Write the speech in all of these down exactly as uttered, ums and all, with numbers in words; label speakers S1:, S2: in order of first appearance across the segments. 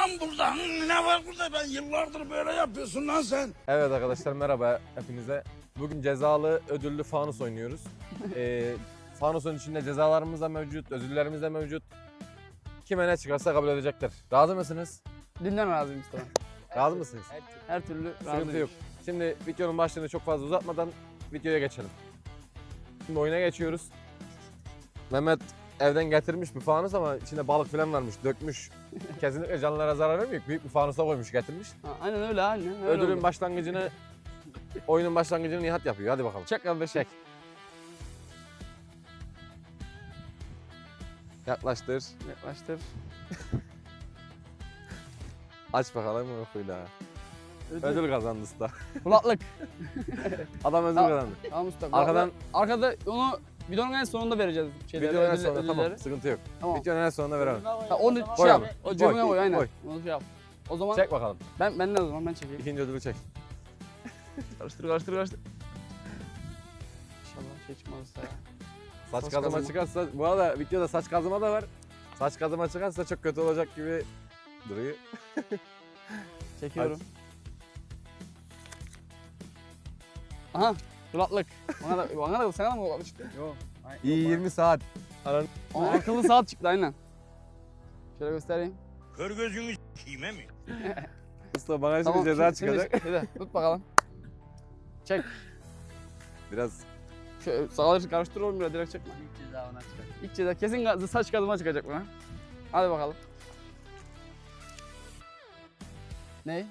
S1: lan burada? Ne var burada? Ben yıllardır böyle yapıyorsun lan sen.
S2: Evet arkadaşlar merhaba hepinize. Bugün cezalı ödüllü fanus oynuyoruz. ee, fanusun içinde cezalarımız da mevcut, ödüllerimiz de mevcut. Kime ne çıkarsa kabul edecekler. Razı mısınız?
S3: Dünden razıyım Mustafa.
S2: Razı mısınız?
S3: Her türlü
S2: Sıkıntı
S3: razıyım.
S2: yok. Şimdi videonun başlığını çok fazla uzatmadan videoya geçelim. Şimdi oyuna geçiyoruz. Mehmet evden getirmiş bir fanus ama içinde balık falan varmış, dökmüş. Kesinlikle canlılara zarar vermiyor. Büyük bir fanusa koymuş, getirmiş.
S3: Ha, aynen öyle aynen. Öyle
S2: Ödülün
S3: oldu.
S2: başlangıcını, oyunun başlangıcını Nihat yapıyor. Hadi bakalım.
S3: Çek kardeşim.
S2: Çek. Yaklaştır.
S3: Yaklaştır.
S2: Aç bakalım okuyla.
S3: Ödül.
S2: Ödül kazandı usta.
S3: Kulaklık.
S2: Adam ödül
S3: Tamam.
S2: kazandı.
S3: Tamam usta.
S2: Arkadan-
S3: Arkada onu videonun en sonunda vereceğiz. Şeyleri,
S2: Videonun en
S3: ödül-
S2: sonunda tamam.
S3: ödülleri.
S2: Sıkıntı yok.
S3: Tamam.
S2: Videonun en sonunda verelim.
S3: Ha, onu şey
S2: Koy
S3: yap.
S2: abi.
S3: O
S2: Koy.
S3: cebine koy aynen.
S2: Koy.
S3: Onu şey yap. O zaman
S2: Çek bakalım.
S3: ben ben ne o zaman ben çekeyim.
S2: İkinci ödülü çek.
S3: Karıştır karıştır karıştır. İnşallah şey çıkmaz usta ya.
S2: Saç,
S3: Saç
S2: kazıma
S3: kazıma.
S2: çıkarsa, bu arada videoda saç kazıma da var. Saç kazıma çıkarsa çok kötü olacak gibi duruyor.
S3: Çekiyorum. Aha kulaklık. Bana da bana da sana da mı kulaklık çıktı? Yok.
S2: İyi yirmi saat. Aran...
S3: Aa, akıllı saat çıktı aynen. Şöyle göstereyim.
S1: Kör gözünü s**eyim mi?
S2: Usta bana şimdi ceza çıkacak.
S3: Şimdi, şimdi, tut bakalım. Çek.
S2: Biraz
S3: Şöyle sağları karıştır oğlum biraz direkt çekme. İlk ceza ona çıkacak. İlk ceza kesin ga- saç kazıma çıkacak buna. Hadi bakalım. Ne?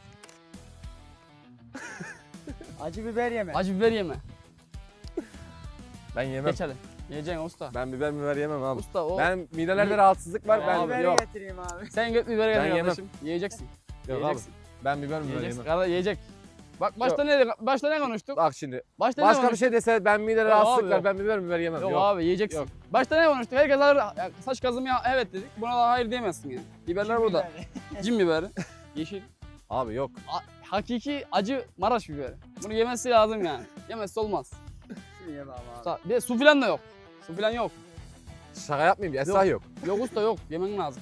S4: Acı biber yeme.
S3: Acı biber yeme.
S2: ben yemem.
S3: Geç hadi. Yiyeceksin usta.
S2: Ben biber biber yemem abi.
S3: Usta o.
S2: Ben midelerde rahatsızlık var. Ben
S4: Biberi
S2: yok.
S4: getireyim abi.
S3: Sen göt biberi
S2: Ben
S3: getir
S2: yemem.
S3: kardeşim. Yiyeceksin.
S2: Yok abi.
S3: Yiyeceksin.
S2: Ben biber biber
S3: Yiyeceksin.
S2: yemem.
S3: Kardeş yiyecek. Bak başta ne başta ne konuştuk?
S2: Bak şimdi.
S3: Başta ne
S2: Başka bir
S3: konuştuk?
S2: şey dese ben midede
S3: Yok
S2: rahatsızlık
S3: abi,
S2: var.
S3: yok.
S2: Ben biber biber yemem.
S3: Yok,
S2: Yok.
S3: abi yiyeceksin.
S2: Yok.
S3: Başta ne konuştuk? Herkes alır ya, saç kazımaya evet dedik. Buna da hayır diyemezsin yani. Biberler burada. Cin biberi. Yeşil.
S2: Abi yok.
S3: A- hakiki acı Maraş biberi. Bunu yemesi lazım yani. Yemezse olmaz.
S4: Şunu yeme abi.
S3: Usta, bir de su filan da yok. Su filan yok.
S2: Şaka yapmayayım. Esra yok.
S3: Yok usta yok. Yemen lazım.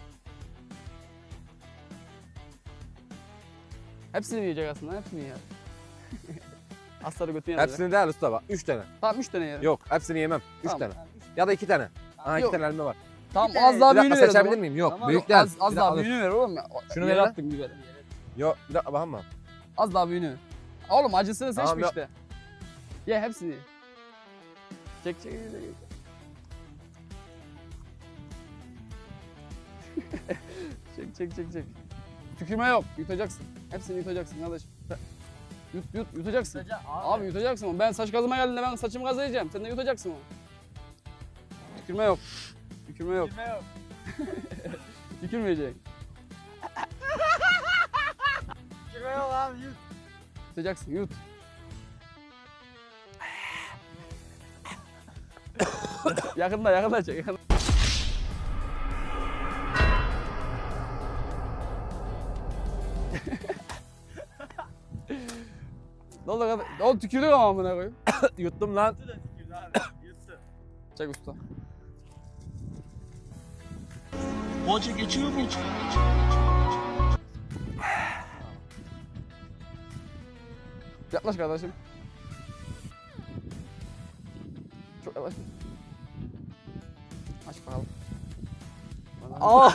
S3: Hepsini yiyecek aslında. Hepsini yer. Asları götüne yer.
S2: Hepsini değil usta bak. Üç tane.
S3: Tamam üç tane yer.
S2: Yok hepsini yemem. Üç
S3: Tamam.
S2: tane. Ya da iki tane. Aha iki
S3: Yok.
S2: tane elma var.
S3: Tamam
S4: Bir
S3: az
S4: tane-
S3: daha
S2: Bir dakika
S3: büyüğünü ver o
S2: seçebilir
S3: zaman.
S2: miyim? Yok.
S4: Tamam.
S2: Büyük
S3: Yok,
S2: değil.
S3: az, az
S2: Bir
S3: daha
S2: dakika,
S3: büyüğünü ver oğlum ya.
S2: Şunu
S3: Yere
S2: ver lan.
S3: attın biberi.
S2: dur. Yok bir dakika bakma.
S3: Az daha büyüğünü ver. Oğlum acısını seçme
S2: Tamam, yok.
S3: işte. Ye hepsini. ye. Çek çek çek. çek. çek çek çek çek. Tükürme yok. Yutacaksın. Hepsini yutacaksın kardeşim. Yut yut yutacaksın. Abi yutacaksın onu. Ben saç kazıma geldiğinde ben saçımı kazıyacağım. Sen de yutacaksın onu. Tükürme yok. Tükürme yok.
S4: Yeme yok.
S3: Tükürmeyecek.
S4: Yeme yok abi. Yut.
S3: Yutacaksın yut. yakında yakında çek. Yakında. Ne oldu kadar? Oğlum tükürdük ama amına koyayım.
S2: Yuttum lan.
S4: Yuttu.
S3: Çek usta.
S1: Hoca geçiyor mu hiç?
S3: Yaklaş kardeşim. Çok yaklaş. Aç bakalım. Aa!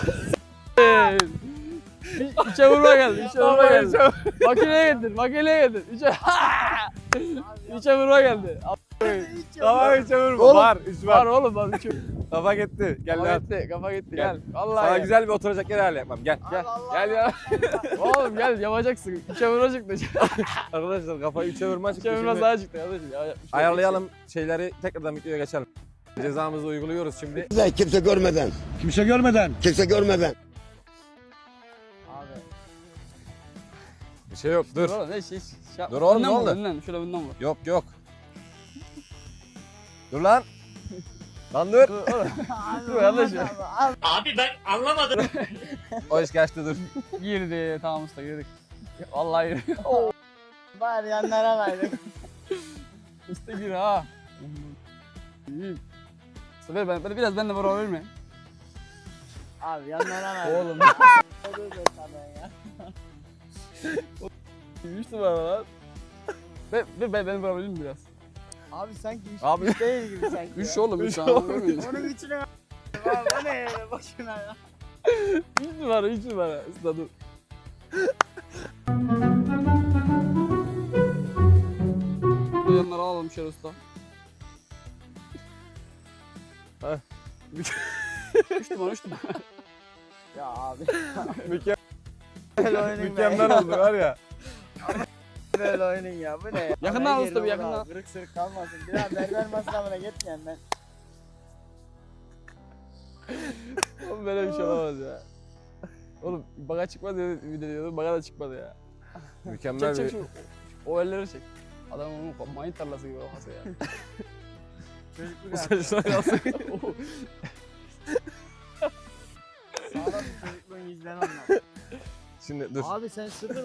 S3: İçe vurma geldi, içe vurma geldi. Makineye getir, makineye getir. İçe... İçe vurma geldi.
S2: Kafa üçe vurma.
S3: Oğlum,
S2: Var. Üç
S3: Var
S2: var.
S3: oğlum var. Üçü.
S2: Kafa gitti. Gel
S3: Kafa
S2: lan.
S3: gitti, kafa gitti.
S2: Gel.
S3: Gel. Vallahi
S2: Sana
S3: gel.
S2: güzel bir oturacak yer ayarlayamam. Gel.
S3: Gel.
S2: Gel ya.
S3: Oğlum gel yapacaksın. İçe vurma çıktı.
S2: Arkadaşlar kafayı üçe vurma çıktı.
S3: İçe vurma
S2: Şimdi
S3: sağa çıktı kardeşim. Ya, yapmış bir şey yok.
S2: ayarlayalım şeyleri tekrardan videoya geçelim. Cezamızı uyguluyoruz şimdi.
S5: Kimse görmeden,
S1: Kimse görmeden.
S5: kimse görmeden.
S4: Abi.
S2: Bir şey yok. Dur.
S3: Dur oğlum ne şey. şey
S2: Dur oğlum,
S3: önden
S2: ne
S3: vur,
S2: oldu?
S3: Önden, şöyle önden vur.
S2: Yok yok. Dur lan. Lan dur.
S3: Dur oğlum. Dur kardeşim.
S1: Abi ben anlamadım.
S2: O iş geçti dur.
S3: Girdi. Tamam usta girdik. Vallahi girdi.
S4: Bari yanlara verdik.
S3: Usta gir ha. İyi. Usta ver ben, ben biraz ben de bana verme.
S4: Abi yanlara verdik.
S3: Oğlum.
S4: Dur dur sana ya.
S3: üç numara lan. Ve, ve ben, beni vurabilir miyim biraz?
S4: Abi sanki üç,
S2: Abi-
S4: üç değil gibi sanki.
S3: üç
S4: ya.
S3: oğlum üç
S2: Üç
S3: tane
S2: oğlum.
S3: görmüyor musun?
S4: Onun içine Abi bu ne boşuna ya.
S3: üç numara üç numara. Usta dur. Bu yanları alalım şöyle usta.
S2: Heh.
S3: üç numara üç numara.
S4: Ya abi.
S2: Mükemmel,
S4: Böyle oynayın be.
S2: mükemmel oldu var ya.
S4: Böyle oynayın ya bu ne ya.
S3: Yakından
S4: Haber
S3: al
S4: yerine
S3: usta, bir
S4: vur
S3: yakından.
S4: abi, Kırık sırık kalmasın. Biraz berber masrafına gitmeyen ben.
S3: Oğlum böyle bir şey olamaz ya. Oğlum baga çıkmaz dedi video diyordum, baga da çıkmadı ya.
S2: Mükemmel
S3: Çek çek
S2: bir...
S3: şu. O elleri çek. Adam onun mayın tarlası gibi kafası ya.
S4: Çocukluk
S2: Sen şuna kalsın.
S4: Sağlam bir çocukluğun izlen onlar.
S2: Şimdi dur.
S4: Abi sen sıfır mı?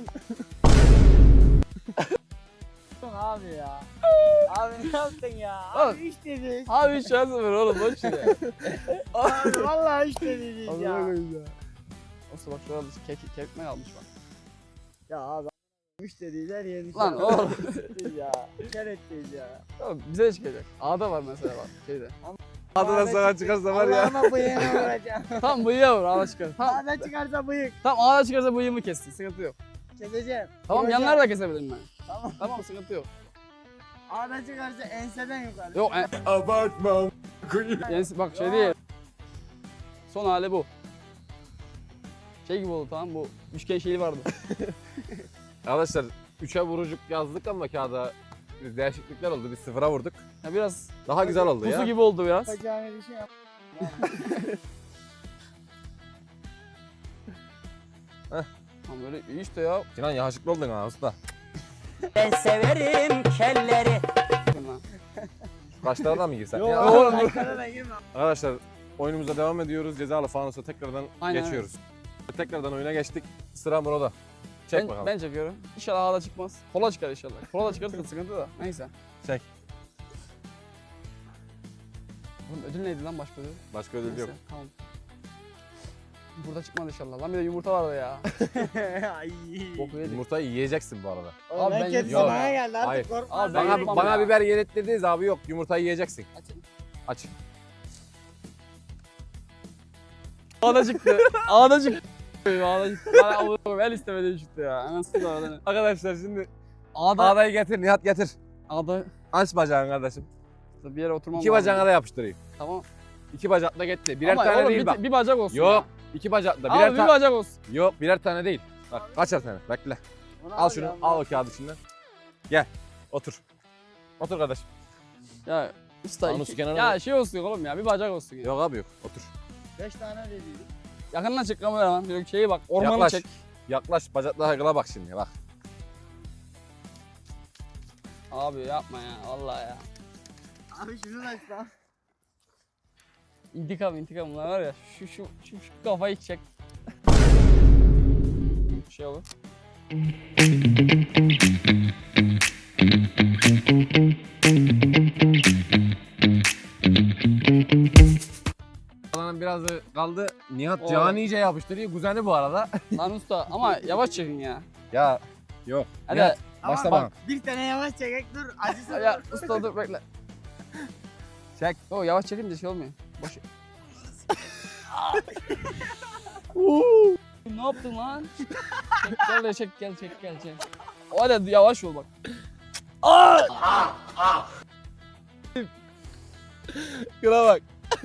S4: Abi ya. Abi ne yaptın ya?
S3: Oğlum.
S4: Abi üç dedik.
S3: Abi üç şans var oğlum boş ver ya.
S4: Abi vallahi üç dedik
S3: Allah'a
S4: ya.
S3: koyayım ya. Usta bak şurada kek, kek ekmek almış bak.
S4: Ya abi üç dediler yedik.
S3: Lan oğlum.
S4: ya. Kör ettiyiz ya.
S3: Oğlum bize de çıkacak. A'da var mesela bak şeyde.
S2: Adına sana çıkarsa var ya.
S4: Allah'ıma bıyığına vuracağım.
S3: Tam bıyığa vur A'da çıkar. Tam,
S4: Ağda çıkarsa bıyık.
S3: tam A'da çıkarsa bıyığımı kessin sıkıntı yok.
S4: Keseceğim.
S3: Tamam
S4: Vuracağım.
S3: yanları da kesebilirim ben.
S4: Tamam.
S3: Tamam sıkıntı yok.
S4: Ağda çıkarsa enseden yukarı.
S3: Yok en,
S2: Abartma.
S3: yani bak şey değil. Son hali bu. Şey gibi oldu tamam bu üçgen şeyi vardı.
S2: Arkadaşlar üçe vurucuk yazdık ama kağıda bir değişiklikler oldu. Biz sıfıra vurduk.
S3: Ya biraz
S2: Daha güzel oldu
S3: pusu
S2: ya.
S3: gibi oldu biraz.
S4: Bacağına bir şey yap.
S3: Tamam böyle iyi işte ya.
S2: Sinan yakışıklı oldun ha usta.
S4: Ben severim kelleri.
S3: Lan.
S2: Kaçlara da mı girsek?
S4: Yok
S2: Ya?
S3: oğlum,
S4: oğlum.
S3: dur.
S4: Aşağıda girme.
S2: Arkadaşlar oyunumuza devam ediyoruz. Cezalı fanusa tekrardan
S3: Aynen.
S2: geçiyoruz. Tekrardan oyuna geçtik. Sıra Murat'da. Çek
S3: Ben,
S2: bakalım.
S3: ben çekiyorum. İnşallah A'da çıkmaz. Kola çıkar inşallah. Kola çıkarsa sıkıntı da. Neyse.
S2: Çek.
S3: Oğlum ödül neydi lan başka ödül?
S2: Başka ödül yok.
S3: Neyse, tamam. Burada çıkmaz inşallah. Lan bir de yumurta vardı ya.
S4: Ay.
S3: Boku yedik.
S2: Yumurtayı yiyeceksin bu arada.
S4: Oğlum
S3: Abi
S4: ben
S3: ben
S4: kötü
S2: yok.
S4: sana geldi
S2: Hayır.
S4: artık korkma.
S3: Abi ben
S2: Bana,
S3: yapmam
S2: bana
S3: ya.
S2: biber yedirttirdiniz abi yok. Yumurtayı yiyeceksin.
S3: Açayım.
S2: Aç.
S3: A'da çıktı. A'da çıktı. A'da çıktı. Ben Allah'ım el istemedim çıktı ya. Anasını da oradan.
S2: Arkadaşlar şimdi
S3: A'da.
S2: ağdayı getir Nihat getir.
S3: A'da.
S2: Aç bacağını kardeşim.
S3: Bir yere oturmam
S2: İki
S3: lazım.
S2: bacağına da yapıştırayım.
S3: Tamam.
S2: İki bacakla gitti. Birer
S3: Ama
S2: tane
S3: oğlum
S2: değil
S3: bir,
S2: bak.
S3: bir bacak olsun.
S2: Yok. İki bacakla.
S3: Ya.
S2: Birer
S3: Abi bir
S2: tane.
S3: bacak olsun.
S2: Yok birer tane değil. Bak kaçar tane. Bekle.
S4: Bunu
S2: Al şunu.
S4: ya,
S2: Al o kağıdı içinden. Gel. Otur. Otur kardeşim.
S3: Ya usta
S2: Anus
S3: iki,
S2: kenarına
S3: ya
S2: bak.
S3: şey olsun oğlum ya bir bacak olsun ya.
S2: Yok abi yok. Otur.
S4: Beş tane dediydik.
S3: Yakından çek kameraman. Yok şeyi bak ormanı
S2: Yaklaş.
S3: çek.
S2: Yaklaş bacaklara kıla bak şimdi bak.
S3: Abi yapma ya vallahi ya.
S4: Abi şunu da aç lan.
S3: İntikam intikam bunlar var ya şu şu şu, şu kafayı çek. Şey olur.
S2: Kalanın birazı kaldı. Nihat
S3: Oğlum.
S2: Cihan iyice yapıştırıyor. Kuzeni bu arada.
S3: Lan usta ama yavaş çekin ya.
S2: Ya yok.
S3: Hadi.
S2: Nihat,
S4: Tamam,
S2: başla
S4: bak,
S2: bana.
S4: Bir tane yavaş çekek dur. Acısı
S3: Ya usta dur bekle.
S2: Çek.
S3: Yo yavaş çekince şey olmuyor. Boş. Ne yaptın lan? Çek, gel de çek gel çek gel çek. Hadi yavaş ol bak.
S2: Kıla bak.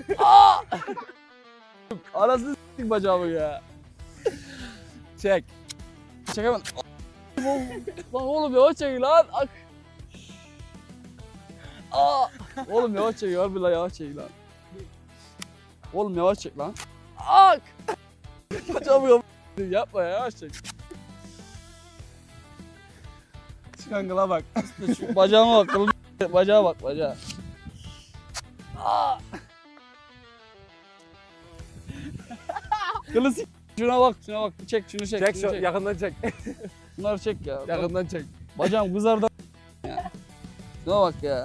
S3: Arasını s**tik bacağımı ya.
S2: Çek.
S3: Çekemem. Lan oğlum yavaş çek lan. Ak. Aa. Oğlum yavaş çek harbi lan yavaş çek lan. Oğlum yavaş çek lan. Ak. Bacağımı yap- yapma ya yavaş çek.
S2: Çıkan kıla bak.
S3: Şu bacağıma bak. kıllı Bacağa bak bacağa. Aa. Kılı s- Şuna bak şuna bak. Çek şunu çek.
S2: Çek
S3: şunu
S2: şu yakından çek.
S3: Bunları çek ya.
S2: Yakından çek.
S3: Bacağım kızardı ya. Şuna bak ya.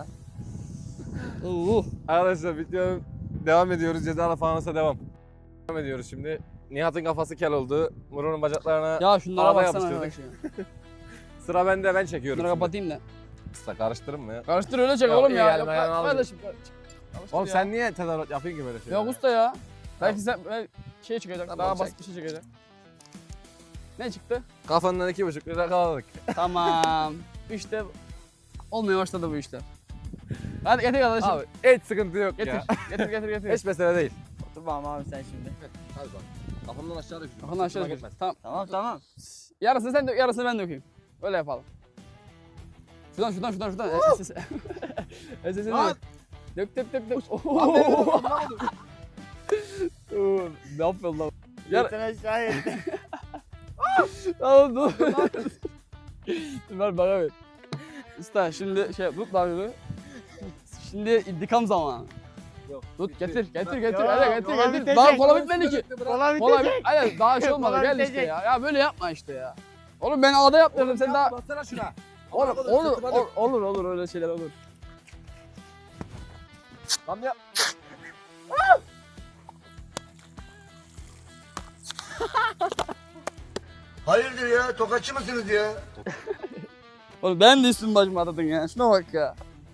S3: Uh.
S2: Arkadaşlar videonun devam ediyoruz. Cezalı fanusa devam. Devam ediyoruz şimdi. Nihat'ın kafası kel oldu. Muro'nun bacaklarına
S3: Ya şunlara
S2: Araba
S3: baksana
S2: yapıştırdık.
S3: arkadaş ya.
S2: sıra bende, ben çekiyorum.
S3: Şunları
S2: şimdi.
S3: kapatayım da.
S2: Usta karıştırın mı ya?
S3: Karıştır öyle çek
S2: Ya
S3: oğlum
S2: iyi
S3: ya.
S2: yani,
S3: Yok
S2: ben alacağım.
S3: kardeşim. Karıştır
S2: Oğlum
S3: ya.
S2: sen niye tezahürat yapıyorsun ki böyle şeyler?
S3: Yok usta ya. Belki sen belki şey çıkacak.
S2: Tamam,
S3: daha
S2: çek.
S3: basit bir şey çıkacak. Ne çıktı?
S2: Kafandan iki buçuk lira kaldık.
S3: Tamam. İşte olmaya başladı bu işler. Hadi getir kardeşim.
S2: Abi hiç sıkıntı yok
S3: getir.
S2: ya.
S3: getir getir getir.
S2: Hiç mesele değil.
S4: Oturmam abi sen şimdi.
S2: Hadi bak. Kafamdan aşağı dök.
S3: Kafanı aşağı
S2: Üstüme
S3: dök.
S2: gitmez.
S3: Tamam.
S4: Tamam tamam.
S3: Yarısını sen dök, yarısını ben dökeyim. Öyle yapalım. Şuradan şuradan şuradan şuradan. E, S S. S S'ini
S2: Lan!
S3: dök. Dök dök dök dök.
S2: Aferin
S3: Oo.
S2: oğlum, ne oldu?
S3: Oo, ne yapıyorsun lan? Yar-
S4: Yeter aşağı yeter.
S3: Oğlum dur. Dur ver bana ver. Usta şimdi şey tut lan şunu. Şimdi intikam zamanı.
S2: Yok.
S3: Tut
S2: bitti.
S3: getir getir
S2: Bak,
S3: getir
S4: ya,
S3: hadi getir
S4: kola
S3: getir.
S4: bitecek.
S3: Daha kola bitmedi ki.
S4: Kola
S3: Kola bit.
S4: bitecek.
S3: Hayır daha şey olmadı
S4: Kola
S3: gel işte
S4: bitecek.
S3: ya. Ya böyle yapma işte ya. Oğlum ben ağda yaptırdım sen daha.
S2: Bassana şuna.
S3: Oğlum
S2: Amına
S3: olur
S2: koydum, sırtıma
S3: olur
S2: dök.
S3: olur olur öyle şeyler olur.
S2: Lan ya.
S5: Hayırdır ya? Tokatçı mısınız ya?
S3: Oğlum ben de üstüm başımı atadın ya. Şuna bak ya.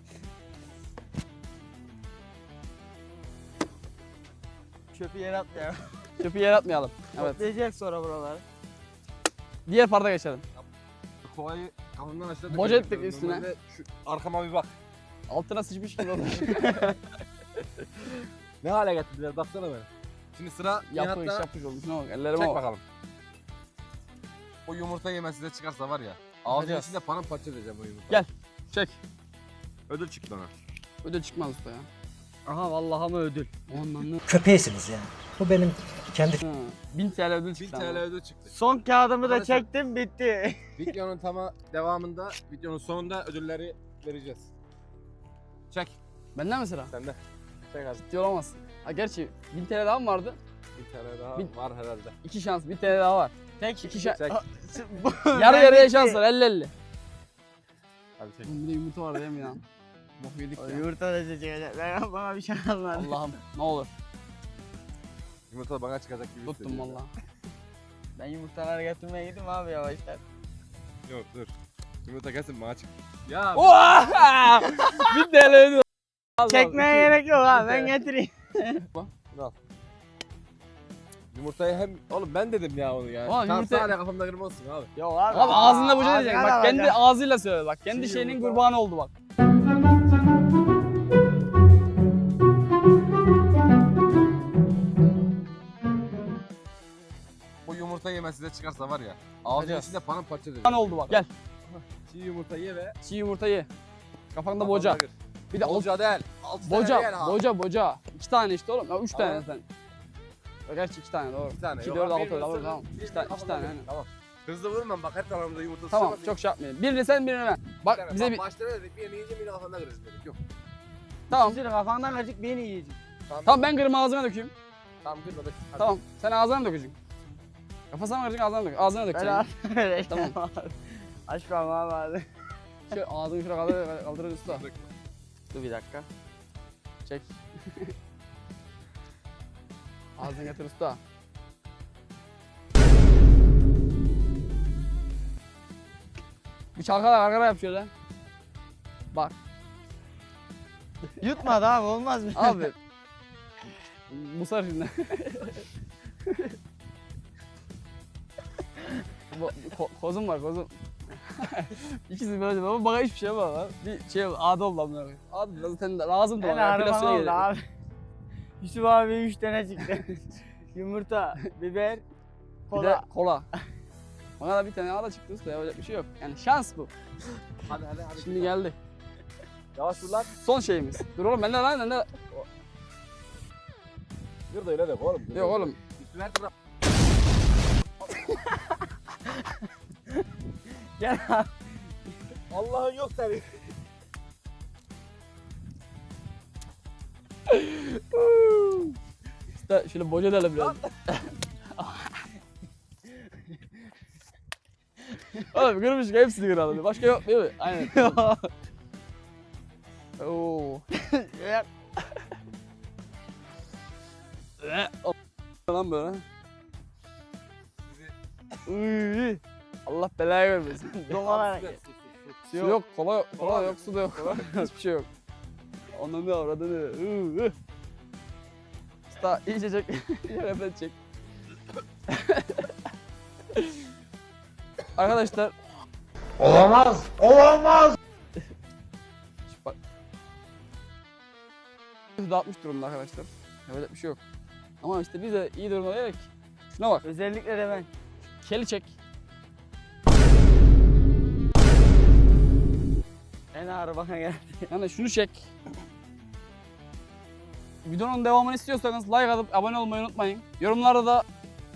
S4: Çöpü yere at ya.
S3: Çöpü yere atmayalım. Evet.
S4: Toplayacak sonra buraları.
S3: Diğer parta geçelim.
S2: Kovayı kafamdan aşağı
S3: Boca
S2: döküyorum.
S3: ettik üstüne.
S2: Normalde Şu arkama bir bak.
S3: Altına sıçmış gibi oldu.
S2: Ne hale getirdiler baksana beni. Şimdi sıra
S3: yapış
S2: Nihat'ta.
S3: yapış oldu. Şuna bak ellerime
S2: Çek
S3: bak.
S2: bakalım. O yumurta yemesi de çıkarsa var ya. Ağzının
S3: Bakacağız.
S2: içinde paramparça edeceğim o yumurtayı.
S3: Gel. Çek.
S2: Ödül çıktı ona.
S3: Ödül çıkmaz usta ya.
S4: Aha vallahi mı ödül.
S3: Ondan ne?
S5: Köpeğisiniz yani. Bu benim kendi
S3: Ha, bin T L ödül
S2: bin
S3: çıktı.
S2: T L
S3: ama.
S2: ödül çıktı.
S4: Son kağıdımı da
S2: Arkadaşlar-
S4: çektim bitti.
S2: Videonun tama devamında, videonun sonunda ödülleri vereceğiz. Çek.
S3: Benden mi sıra?
S2: Sende. Çek hadi.
S3: Ciddi olamazsın. Ha gerçi bin T L daha mı vardı?
S2: bin T L daha
S3: Bin-
S2: var herhalde.
S3: İki şans, bin T L daha var.
S4: Tek
S3: İki şans.
S2: Çek.
S3: Yarı yarıya şans var, elli elli.
S2: Hadi çek.
S3: Oğlum bir de yumurta var değil mi ya? Bok yedik
S4: O
S3: ya.
S4: yumurta da çekecek. Ben bana bir şey almadım.
S3: Allah'ım ne olur.
S2: Yumurta bana çıkacak gibi
S3: Tuttum
S2: hissediyorum.
S3: valla.
S4: Ben yumurtaları götürmeye gidiyorum abi yavaşlar.
S2: Yok dur. Yumurta kesin bana çık. Ya
S3: Oha! bin T L ödül. Allah
S4: Çekmeye
S3: Allah.
S4: gerek yok abi ben
S3: Bir de-
S4: getireyim.
S2: yumurtayı hem... Oğlum ben dedim ya onu ya.
S3: Oğlum
S2: Tamam
S3: yumurta-
S2: hala kafamda kırma olsun abi.
S4: Yok abi.
S3: Abi ağzında boca
S4: ağzına
S3: diyecek.
S4: da
S3: Bak kendi
S4: bakacağım.
S3: ağzıyla söyle bak. Kendi
S2: Çiğ
S3: şeyinin
S2: yumurta.
S3: kurbanı oldu bak.
S2: Bu yumurta yemesi de çıkarsa var ya. Ağzının
S3: Bakacağız.
S2: içinde paramparça edeceğim.
S3: Kurban oldu bak. Gel.
S2: Çiğ yumurta ye ve...
S3: Çiğ yumurta ye. Kafanda boca.
S2: kafana kır.
S3: Bir de
S2: Boca değil. Altı tane
S3: boca,
S2: yer ha.
S3: boca, boca. İki tane işte oğlum. Ya üç
S2: Tamam.
S3: tane sen. Ya gerçi iki tane doğru.
S2: İki tane.
S3: İki,
S2: Yok
S3: dört,
S2: abi,
S3: altı,
S2: birini
S3: tamam,
S2: ısırdım,
S3: tamam.
S2: birini
S3: İki tane- iki
S2: kafamda
S3: tane,
S2: kır.
S3: aynen.
S2: Tamam. Hızlı vurmam bak her tarafımda yumurta
S3: Tamam
S2: sıçramasın.
S3: çok şey yapmayalım. Birini sen birini ben. Bak
S2: Bir tane,
S3: bize
S2: bak,
S3: bir...
S2: Başta dedik birini yiyince birini kafanda kırarız dedik. Yok.
S3: Tamam.
S4: Sizin kafandan kaçık beni yiyecek.
S3: Tamam ben kırma ağzıma dökeyim.
S2: Tamam kırma dök. Hadi.
S3: Tamam. Sen ağzına mı dökeceksin? Kafasına mı kıracaksın ağzına mı dök? Ağzına
S4: Ben
S3: dökeceksin.
S4: abi.
S3: Tamam.
S4: Aç parmağımı abi.
S3: Şöyle ağzını şuraya kaldır, kaldırır usta.
S2: Dök.
S4: Dur bir dakika.
S3: Çek. Ağzını getir usta. Bir çalkala gargara yap şöyle. Bak
S4: Yutmadı abi olmaz mı?
S3: abi. Musar şimdi. Bu, ko, kozum var kozum. İkisi böyle ama bana hiçbir şey yapamam lan. Bir şey adı oldu amına koyayım. Adı zaten lazımdı
S4: Ben
S3: bana.
S4: harman
S3: Epilasyona
S4: oldu
S3: gerek.
S4: abi. Yusuf abi üç tane çıktı. Yumurta, biber,
S3: Bir de
S4: kola.
S3: kola. Bana da bir tane ağda çıktı usta yapacak bir şey yok. Yani şans bu.
S2: Hadi hadi hadi.
S3: Şimdi geldi.
S2: Yavaş dur lan.
S3: Son şeyimiz. Dur oğlum bende lan bende.
S2: Dur da öyle de oğlum.
S3: Yok oğlum.
S2: Üstüne her taraf.
S4: Gel abi.
S2: Allah'ın yok tabii.
S3: İşte şöyle boca edelim biraz. Oğlum kırmış hepsini kıralım. Başka yok değil mi? Aynen. Oo.
S4: Gel.
S3: Lan böyle. Uy. Allah belayı vermesin.
S4: Domalar.
S3: Su yok, kola yok, kola yok, su da yok. Hiçbir şey yok. Onun ne avradını. Uy. Usta iyice çek. Yerden çek. Arkadaşlar.
S5: Olamaz. Olamaz.
S3: Bak. dağıtmış durumda arkadaşlar. Yapacak bir şey yok. Ama işte biz de iyi durumda değilik. Şuna bak.
S4: Özellikle de ben.
S3: Keli çek.
S4: En ağır bana geldi.
S3: Yani şunu çek. Videonun devamını istiyorsanız like atıp abone olmayı unutmayın. Yorumlarda da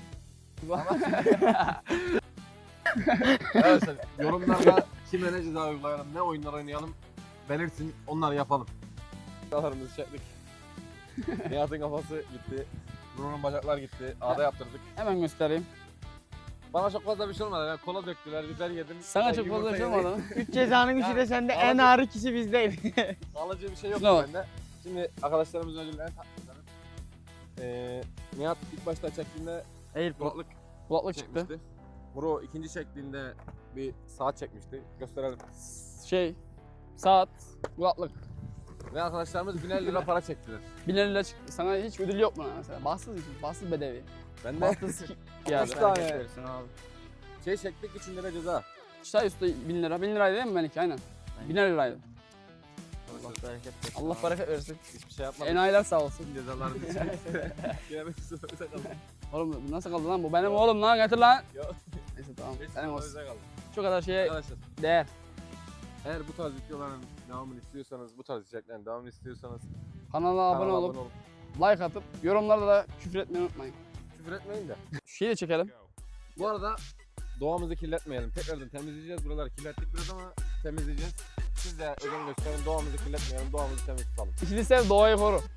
S2: Arkadaşlar yorumlarda kime ne ceza uygulayalım, ne oyunlar oynayalım belirtin, onları yapalım. Kafalarımızı çektik. Nihat'ın kafası gitti. Bruno'nun bacaklar gitti. Ağda yaptırdık.
S3: hemen göstereyim.
S2: Bana çok fazla bir şey olmadı. Yani kola döktüler, biber yedim.
S3: Sana çok fazla bir şey olmadı mı?
S4: Üç cezanın üçü de sende,
S2: Ya,
S4: en
S2: ağır-
S4: ağır kişi bizdeydi.
S2: Alıcı bir şey yok
S3: Şuna bak.
S2: bende. Şimdi arkadaşlarımızın ödüllerini takmışlar. Ee, Nihat ilk başta çektiğinde
S4: Airpod.
S2: kulaklık
S3: Kulaklık çıktı.
S2: çekmişti. Bro ikinci çektiğinde bir saat çekmişti. Gösterelim.
S3: Şey, saat, kulaklık.
S2: Ve arkadaşlarımız bin lira para çektiler.
S3: bin lira çıktı. Sana hiç ödül yok mu mesela? Bahtsız için, bahtsız bedevi.
S2: Ben de
S3: Bahtsız yani.
S2: üç tane
S4: abi.
S2: şey çektik, üçün lira ceza.
S3: Çay üstü bin lira. bin liraydı değil mi Melike? Aynen. bin liraydı.
S4: Allah bereket versin.
S3: Allah bereket versin.
S2: Hiçbir şey yapmadık.
S3: Enayiler sağ olsun.
S2: Cezalarını Yemek sıfırıza kaldı.
S3: Oğlum bu nasıl kaldı lan? Bu benim oğlum lan, getir lan.
S2: Yok.
S3: Neyse tamam.
S2: Beş
S3: Senin olsun.
S2: sıfırıza kaldı.
S3: Şu kadar şeye
S2: Arkadaşlar
S3: değer.
S2: eğer bu tarz videoların devamını istiyorsanız, bu tarz içeriklerin devamını istiyorsanız
S3: Kanala abone
S2: kanala
S3: olup, like atıp, yorumlarda da küfür etmeyi unutmayın.
S2: küfür etmeyin de.
S3: Şu şeyi de çekelim.
S2: Bu arada doğamızı kirletmeyelim. Tekrardan temizleyeceğiz. Buraları kirlettik biraz ama temizleyeceğiz. Siz de özen gösterin. Doğamızı kirletmeyelim. Doğamızı temiz tutalım.
S3: İkili sev, doğayı koru.